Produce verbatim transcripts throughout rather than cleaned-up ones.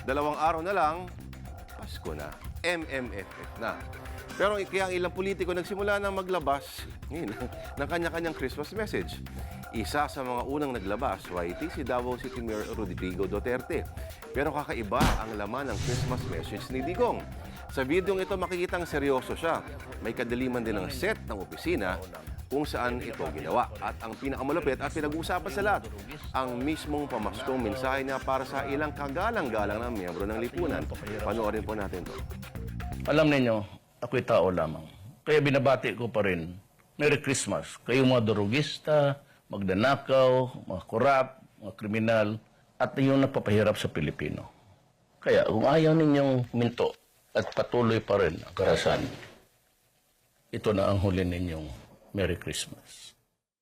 dalawang araw na lang, Pasko na. M M F F na. Pero kaya ang ilang politiko nagsimula nang maglabas ngayon, ng kanya-kanyang Christmas message. Isa sa mga unang naglabas, Y T, si Davao City Mayor Rodrigo Duterte. Pero kakaiba ang laman ng Christmas message ni Digong. Sa videong ito, makikitang seryoso siya. May kadaliman din ng set ng opisina kung saan ito ginawa. At ang pinakamalupit at pinag-uusapan sa lahat, ang mismong pamaskong mensahe niya para sa ilang kagalang-galang na miyembro ng lipunan. Panoorin po natin ito. Alam ninyo, ako'y tao lamang. Kaya binabati ko pa rin, Merry Christmas. Kayong mga durugista, magdanakaw, mga korap, mga kriminal, at yung napapahirap sa Pilipino. Kaya kung ayaw ninyong minto at patuloy pa rin ang karahasan, ito na ang huli ninyong Merry Christmas.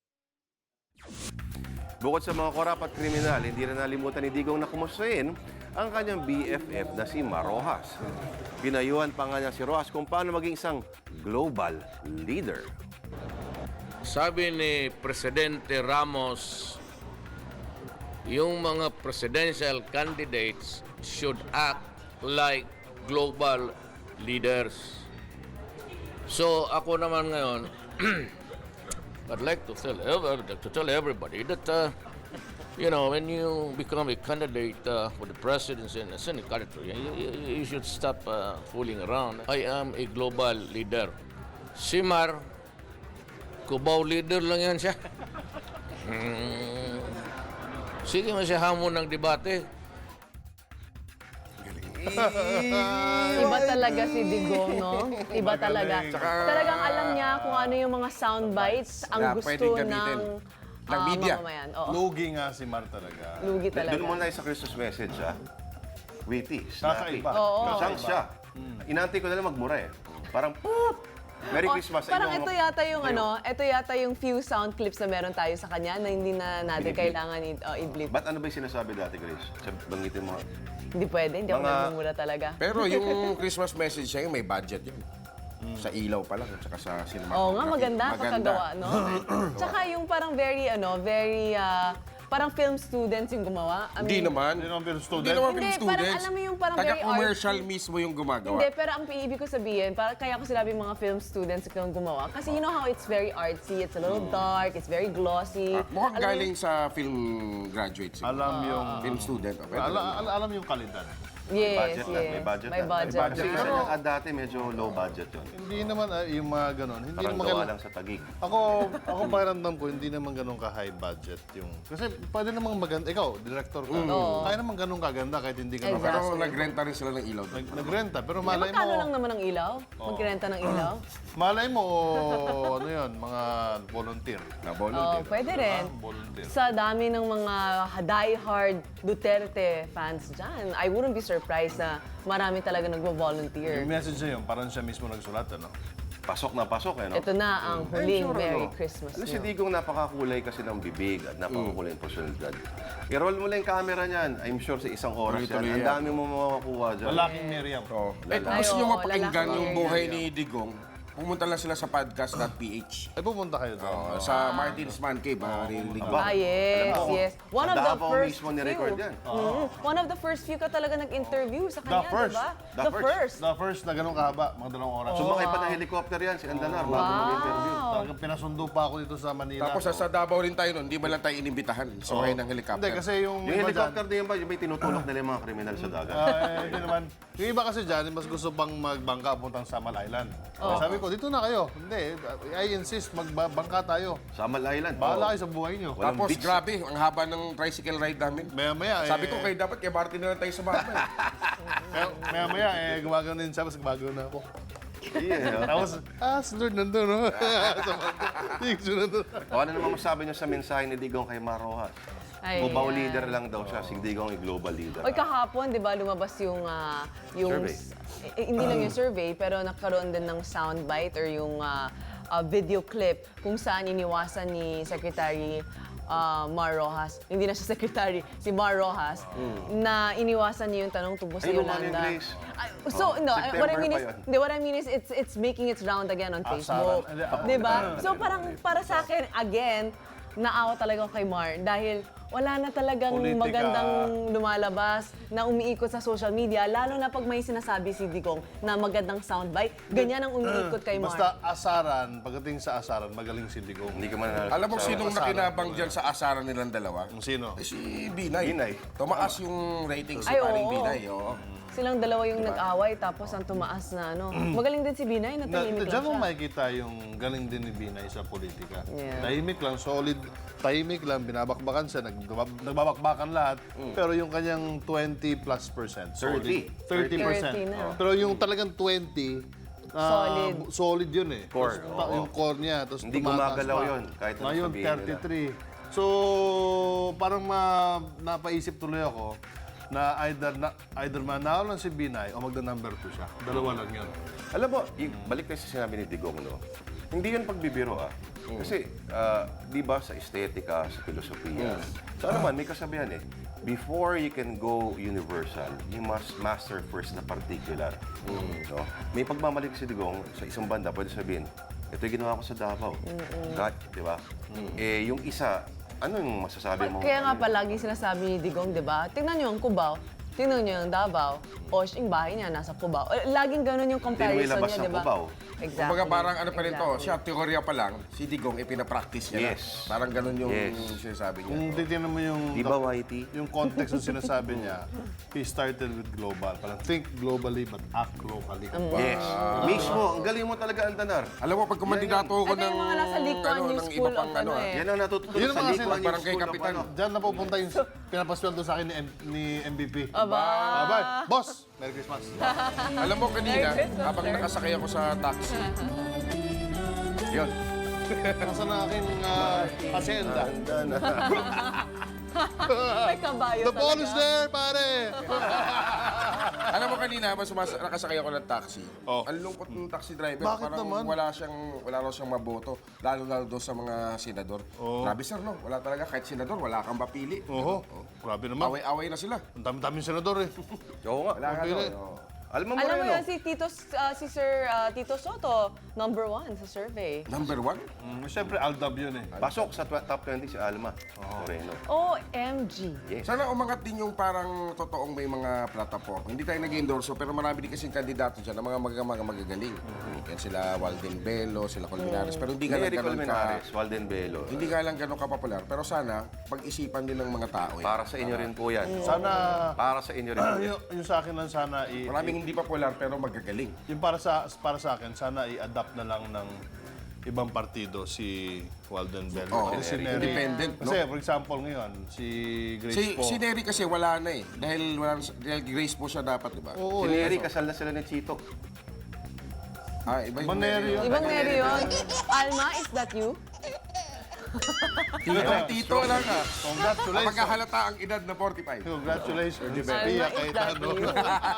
Bukod sa mga korap at kriminal, hindi na nalimutan ni Digong na kumustahin ang kanyang B F F na si Mar Rojas. Pinayuhan pa nga niya si Rojas kung paano maging isang global leader. Sabi ni Presidente Ramos, yung mga presidential candidates should act like global leaders. So ako naman ngayon, I'd like to tell, ever, to tell everybody that, uh, you know, when you become a candidate uh, for the presidency in a Senate country, you, you, you should stop uh, fooling around. I am a global leader. Si Mar, Cubao leader lang yan siya. Hmm. Sige mo siya hamon ng debate. Iba talaga si Digong, no? Iba talaga. Talagang alam niya kung ano yung mga sound bites ang Na gusto pwedeng gamitin. ng Ng ah, media. mamamayan. Oo. Lugi nga si Mar talaga. Lugi talaga. Doon muna tayo sa Christmas message, ha? Witty, snappy. Kakaiba. Oo. Chance siya. Inantay ko na lang magmura eh. Parang, poop! Merry Oh, Christmas sa parang inyong ito mga- yata yung kayo. ano, ito yata yung few sound clips na meron tayo sa kanya na hindi na natin Biniblip. kailangan i- oh, i-blip. Ba't ano ba yung sinasabi dati, Grace? Sa- Banggitin mo. Hindi pwede, hindi ako Mga- nagmumura talaga. Pero yung Christmas message niya, may budget yun. Sa ilaw pa lang, at saka sa cinematography. Oo nga, maganda, pagkagawa, no? Tsaka yung parang very, ano, very, ah, parang film students yung gumawa. I Hindi mean, naman. Hindi naman film student. Hindi naman Hindi, film parang students. alam mo yung parang very Taga-commercial artsy. mismo yung gumagawa. Hindi, pero ang ibig ko sabihin, para, kaya ko sinabi mga film students yung gumawa. Kasi you know how it's very artsy, it's a little dark, it's very glossy. Ah, mukhang Alam mo galing sa film graduate. siguro. Alam yung... Film student. Okay. Alam, alam, alam yung kalidad. Yes, budget yes. lang, may budget May lang. budget. Kasi isa niyang ad dati, medyo low budget yun. Hindi naman ah, yung mga ganon. Hindi Parang naman gawa ganon. lang sa tagig. Ako, ako pakiramdam ko, hindi naman ganun ka-high budget yung... Kasi pwede namang maganda. Ikaw, director ka. Oo. Kaya naman ganun kaganda kahit hindi ka Exactly. naman. Pero nagrenta rin sila ng ilaw. Nag, nagrenta. Pero Eh, malay magkano lang mo... naman ang ilaw? Magrenta ng ilaw? Malay mo, ano yun, mga volunteer. Na Oh, volunteer. pwede rin. Volunteer. Sa dami ng mga die-hard Duterte fans dyan, I wouldn't be surprised na marami talaga nagvo-volunteer. Yung message na yun, parang siya mismo nagsulat, ano? Pasok na pasok eh, no? Ito na ang I'm huling sure, Merry ano, Christmas Alam si niyo. Digong napakakulay kasi ng bibig at napakakulay ng personalidad. I-roll mo lang yung camera niyan. I'm sure sa isang oras yan. Tuloy-tuloy Ang yan. dami mo makakuha dyan. Lalaking Miriam. Oh. Eh, Lalaki. gusto nyo Ay, oo, mapakinggan lalaki. yung buhay ni Digong, pumunta lang sila sa podcast dot p h. Ay, pumunta kayo doon. Oh, sa Martin's Man Cave, maririnig mo. Ah, yes, Alam mo, yes. One sa of the Davao first mismo ni-record few. yan. Mhm. One of the first few ka talaga nag-interview sa The kanya, first. diba? The The first. first. The first na ganun kahaba, mga dalawang oras. Sumakay pa ng helicopter yan, si Andanar, bago mag-interview. Talagang pinasundo pa ako dito sa Manila. Tapos sa, sa Davao rin tayo nun, hindi ba lang tayo inimbitahan? Sumakay ng helicopter. Hindi, kasi yung... Yung iba helicopter din yun ba, yung may tinutulak nila yung mga kriminal sa dagat. dyan, ah, hindi naman. Yung iba kasi dyan, mas gusto pang magbangka puntang Samal Island. Sabi ko, dito na kayo. Hindi, I insist, magbangka tayo. Samal Island. Bahala Oo. kayo sa buhay nyo. Walang Tapos beach. grabe, ang haba ng tricycle ride namin. Maya-maya, eh... Sabi ko kayo dapat kay Martin na lang tayo sumama. eh. maya- Maya-maya, eh, gumagano din siya, mas gumagano na ako. Yeah. Tapos, ah, si Lord nandun, no? Thanks, nandun. O ano naman masabi niyo sa mensahe ni Digong kay Mar Rojas? Ay, Cubao yan. leader lang daw siya, si Digong ay global leader. Oy, kahapon, di ba, lumabas yung, ah, yung Survey. eh, hindi lang yung survey, pero nagkaroon din ng soundbite or yung ah, ah, video clip kung saan iniwasan ni Secretary ah, Mar Rojas, hindi na siya secretary, si Mar Rojas, na iniwasan niya yung tanong tungkol sa Ay, luma na yung Yolanda. Grace. Ay, so, no, September what I mean pa is, yun. hindi, what I mean is, it's it's making its round again on Facebook. sarang. Di ba? So, parang para sa akin, again, naawa talaga ako kay Mar dahil wala na talagang Politika. magandang lumalabas na umiikot sa social media, lalo na pag may sinasabi si Digong na magandang soundbite. Ganyan ang umiikot kay Mar. Basta asaran, pagdating sa asaran, magaling si Digong. Hindi ka man nanalo Alam mo sa- sinong nakinabang dyan sa asaran nilang dalawa? Kung sino? Eh, si Binay. Binay. Tumaas yung ratings ni Ay, paring oo. Binay. Oo. Silang dalawa yung nag-away, tapos ang tumaas na ano. Magaling din si Binay, Na, natahimik diyan lang mo siya. makikita yung galing din ni Binay sa politika. Yeah. Tahimik lang, solid, tahimik lang, binabakbakan siya, nagbab- nagbabakbakan lahat. Pero yung kanyang twenty plus percent, thirty. solid. thirty percent. thirty na. Pero yung talagang twenty, ah, Solid. solid yun eh. Core, Tapos, ta- oo. yung core niya. Tapos Hindi tumataas gumagalaw pa. yun, kahit ano Ngayon, sabihin nila. thirty-three. So, parang ma, napaisip tuloy ako na either na, either manalo lang si Binay o magda number two siya. Dalawa lang yun. Alam mo, yung, balik na sa sinabi ni Digong, no? Hindi yun pagbibiro, ah. Kasi, ah, di ba, sa estetika, sa filosofiya, sa ano man, may kasabihan eh, before you can go universal, you must master first the particular. No? May pagmamalik si Digong, sa isang banda, pwede sabihin, ito yung ginawa ko sa Davao. Kat, di ba? Eh, yung isa, ano yung masasabi mo? Kaya nga palagi sinasabi ni Digong, di ba? Tingnan niyo ang Cubao, tingnan niyo ang Davao, o yung bahay niya nasa Cubao. Eh, Laging ganun yung comparison ilabas niya, ng di ba? Cubao. Exactly. Kumbaga parang ano pa rin to, exactly. siya teorya pa lang, si Digong ipinapractice niya Yes. na. Parang ganun yung Yes. sinasabi niya. Kung titignan mo yung, Di ba, Whitey? yung context ng sinasabi niya, he started with global. Parang think globally but act locally. Yes. Mismo, ang galing mo talaga, Antanar. Alam mo, pag kumandidato ako Ito ng, yung mga nasa Likuan ano, New ng School iba pang of ano, ano ah. eh. Yan ang natutunan Yun sa ang mga Likuan sin- Barangay School of Kapitan. ano. Diyan napupunta yung pinapasweldo sa akin ni, M- ni M V P. Aba. Abay, boss! Merry Christmas. Alam mo kanina, Merry Christmas, habang sir. nakasakay ako sa taxi, yun. Nasa na aking uh, hacienda. May kabayo The ball is talaga. there, pare! Alam mo kanina, mas sumas nakasakay ako ng taxi. Oh. Ang lungkot ng taxi driver, Bakit parang naman? wala siyang wala raw siyang maboto, lalo lalo doon sa mga senador. Grabe sir, no? Wala talaga kahit senador, wala kang mapili. Oho, grabe naman. Away-away na sila. Ang dami-daming senador eh. Oo nga. Wala ka Mapili. doon. oh. Alam mo Alam mo Moreno. yan, si Tito, ah, si Sir ah, Tito Soto, number one sa survey. Number one? Mm, Siyempre, Aldab yun eh. Pasok sa tw- top twenty si Alma Moreno. O M G. Sana umangat din yung parang totoong may mga platform. Hindi tayo nag-endorso, pero marami din kasing kandidato dyan na mga mga, mga magagaling. Yan sila Walden Bello, sila Colmenares. Pero hindi nga lang Eric ganun ka... Colmenares, Walden Bello. Hindi nga lang ganun kapopular. Pero sana, pag-isipan din ng mga tao. Eh. Para sa inyo rin po yan. Sana, Para sa inyo rin po yan. yung, yung sa akin lang sana, i, Maraming hindi popular pero magagaling. yung para sa para sa akin, sana i-adapt na lang ng ibang partido si Walden Bello. Oo, Kasi si Neri. independent, no? Kasi, for example, ngayon, si Grace Si, po. si Neri kasi wala na eh. Dahil, wala, na- dahil Grace po siya dapat, di ba? Oo, Si eh. Neri, kasal na sila ni Chito. Ah, iba yung Maneri yun. Ibang Neri yun. Alma, is that you? Tito, tito lang ah. Congratulations. Pagkahalata ang edad na forty-five. Congratulations. Alma, Pia is that Cayetano. you?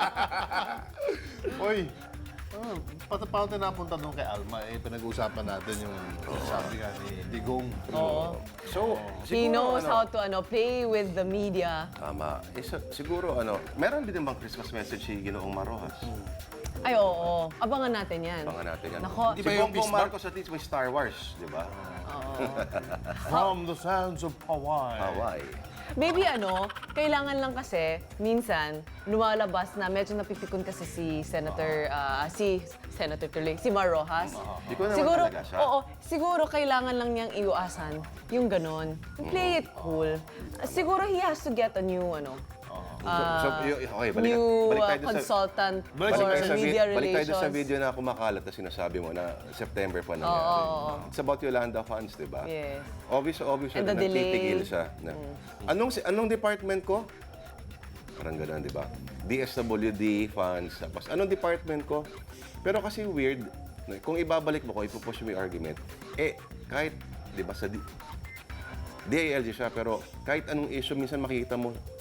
Uy, ah, pati paano tayo napunta doon kay Alma? Eh, pinag-uusapan natin yung sabi nga ni Digong. Oo. So, He knows ano, how to ano play with the media. Tama. Eh, sa- siguro, ano, meron din bang Christmas message si Ginoong Marojas? Ay, oo. Abangan natin yan. Abangan natin yan. Nako. Di Si ba yung Bongbong Bismarck? Marcos at least may Star Wars, di ba? From the sands of Hawaii. Hawaii. Maybe ano, kailangan lang kasi, minsan, lumalabas na medyo napipikon kasi si Senator, ah, si Senator tuloy, si Mar Rojas. Di ko naman siguro, talaga siya. oo, siguro kailangan lang niyang iwasan yung ganon. Play it cool. Siguro he has to get a new, ano, So, so, y- okay, balik, new balik ah, tayo doon sa... consultant Balik for Balik tayo, sa, vi- media balik tayo doon sa relations. video na kumakalat na sinasabi mo na September pa nangyari. It's about Yolanda funds, di ba? Yes. Obvious, obvious And na the delay. nagtitigil siya. Na, anong, si- anong department ko? Parang gano'n, di ba? D S W D funds. Tapos, anong department ko? Pero kasi weird, kung ibabalik mo ko, ipupush mo yung argument, eh, kahit, di ba, sa D- D I L G siya, pero kahit anong issue, minsan makikita mo,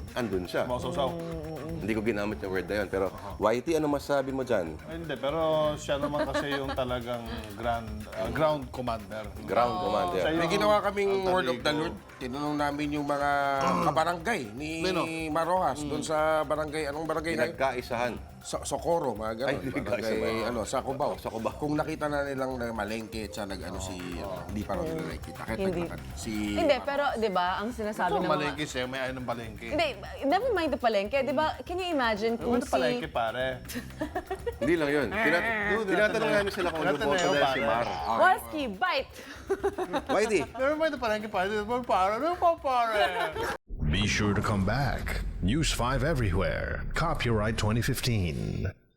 andun siya. Mausaw-saw. Hindi ko ginamit yung word na yun. Pero, Whitey, ano masabi mo dyan? Ay, hindi, pero siya naman kasi yung talagang grand, ah, ground commander. Ground commander. Siya May yung ginawa kaming alter Word of the ego. Lord. Tinanong namin yung mga kabarangay ni Sino? Marojas doon sa barangay, anong barangay na yun? Pinagkaisahan. So, Socorro, mga Ay, gano'n. hindi ka Barangay, isa ba? ano, sa Cubao. Sa Cubao. Kung nakita na nilang na malengke at siya nag-ano si, ano, hindi pa raw nila nakikita. Kahit Hindi. naglakad. Si, Hindi, pero 'di ba, ang sinasabi Ito, ng mga malengke siya, may ayaw ng palengke. Hindi, never mind the palengke, 'di ba? Can you imagine Ano kung na palengke, si pare? Hindi lang yun. Tina- tinatanong namin sila kung ano Tinatanong boto yun, nila si pare. Mar. Walski, bite! Whitey, Never mind the palengke, pare. Never pare. Never pare. Be sure to come back. News five everywhere. Copyright twenty fifteen.